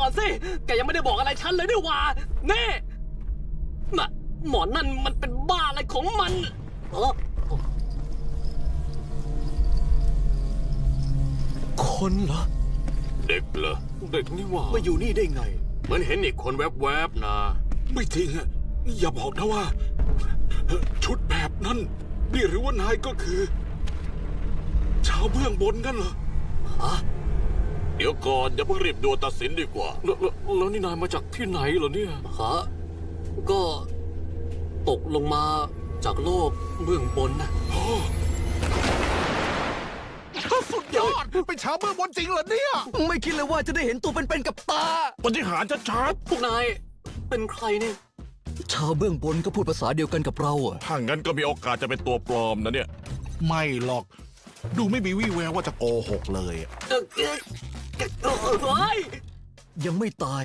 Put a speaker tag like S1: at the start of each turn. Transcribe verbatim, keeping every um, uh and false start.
S1: อนสิแกยังไม่ได้บอกอะไรฉันเลยด้วยว่าเน่น่ะหมอนั่นมันเป็นบ้าอะไรของมันเออคนเหรอ
S2: เด็กเหรอ
S1: เด็กนี่ว่า
S3: มาอยู่นี่ได้ไง
S2: เหมือนเห็นอีกคนแวบๆนะ
S4: ไม่จริงอะอย่าบอกนะว่าชุดแบบนั้นนี่หรือว่านายก็คือชาวเบื้องบนกันเหรอ
S1: ฮะ
S2: เดี๋ยวก่อนอย่าเพิ่งรีบด่วนตัดสินดีกว่า
S1: แล้วแล้วนี่นายมาจากที่ไหนเหรอเนี่ยฮะก็ตกลงมาจากโลกเบื้องบนนะ
S3: สุดยอดเป็นชาวเบื้องบนจริงเหรอเนี่ยไม่คิดเลยว่าจะได้เห็นตัวเป็นๆกับตา
S4: ปฏิหารย์ชัด
S1: พวกนายเป็นใครเนี่ย
S3: ชาวเบื้องบนก็พูดภาษาเดียวกันกับเราอะ
S4: ถ้างั้นก็มีโอกาสจะเป็นตัวปลอมนะเนี่ยไม่หรอกดูไม่มีวี่แววว่าจะโกหกเลย
S1: เออเออเฮ้ย
S3: ยังไม่ตาย